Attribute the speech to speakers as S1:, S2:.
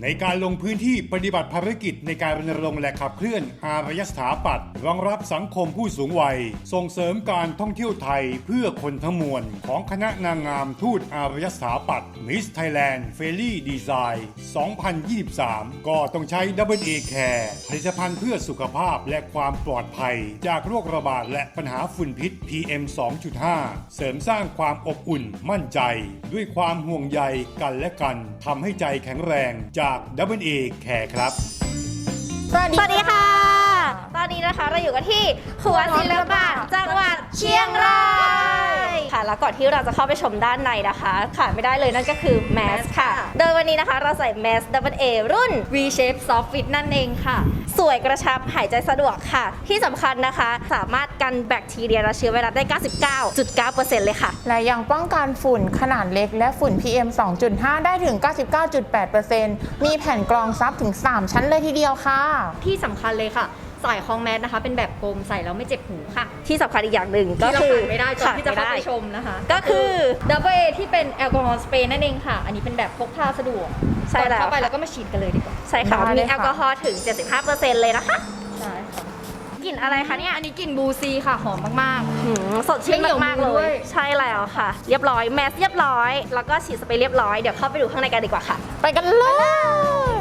S1: การลงพื้นที่ปฏิบัติภารกิจในการรณรงค์และขับเคลื่อนอารยสถาปัตย์รองรับสังคมผู้สูงวัยส่งเสริมการท่องเที่ยวไทยเพื่อคนทั้งมวลของคณะนางงามทูตอารยสถาปัตย์ Miss Thailand Fairy Design 2023 ก็ต้องใช้ Double A Care ผลิตภัณฑ์เพื่อสุขภาพและความปลอดภัยจากโรคระบาดและปัญหาฝุ่นพิษ PM 2.5 เสริมสร้างความอบอุ่นมั่นใจด้วยความห่วงใยกันและกันทำให้ใจแข็งแรงจาก Double A Care ครับ
S2: สวัสดีค่ะ ตอนนี้นะคะเราอยู่กันที่ครัวศิลปะจังหวัดเชียงรายค่ะแล้วก่อนที่เราจะเข้าไปชมด้านในนะคะขาดไม่ได้เลยนั่นก็คือแมสค่ะโดยวันนี้นะคะเราใส่แมส Double A รุ่น V Shape Soft Fit นั่นเองค่ะสวยกระชับหายใจสะดวกค่ะที่สำคัญนะคะสามารถกันแบคทีเรียและเชื้อไวรัสได้ 99.9% เลยค่ะ
S3: และยังป้องกันฝุ่นขนาดเล็กและฝุ่น PM 2.5 ได้ถึง 99.8% มีแผ่นกรองซับถึง 3 ชั้นเลยทีเดียวค่ะ
S4: ที่สำคัญเลยค่ะสายคล้องแมสนะคะเป็นแบบกลมใส่แล้วไม่เจ็บหูค่ะ
S2: ที่สำคัญอีกอย่างหนึ่งก็
S4: ที่เรา
S2: คือ
S4: ขาดไม่ได้ก่อนที่จะเข้าไปชมนะคะ
S2: ก็คือ
S4: Double A ที่เป็นแอลกอฮอล์สเปรย์นั่นเองค่ะอันนี้เป็นแบบพกพาสะดวก
S2: ใช่แล้ว
S4: เข้าไปแล้วก็มาฉีดกันเลยดีกว่า
S2: ใช่ค่ะมีแอลกอฮอล์ถึง 75% เลยนะคะ
S4: ใช่ค่ะ
S2: กลิ่นอะไรคะเนี่ย
S4: อันนี้กลิ่นบูซีค่ะหอมมาก
S2: สดชื่นมากๆเล
S4: ไม่เหนียวมือด้วย ย
S2: ใช่แล้วค่ะ เรียบร้อยแมสเรียบร้อยแล้วก็ฉีดสเปรย์เรียบร้อยเดี๋ยวเข้าไปดูข้างในกันดีกว่าค่ะ
S3: ไปกันเลย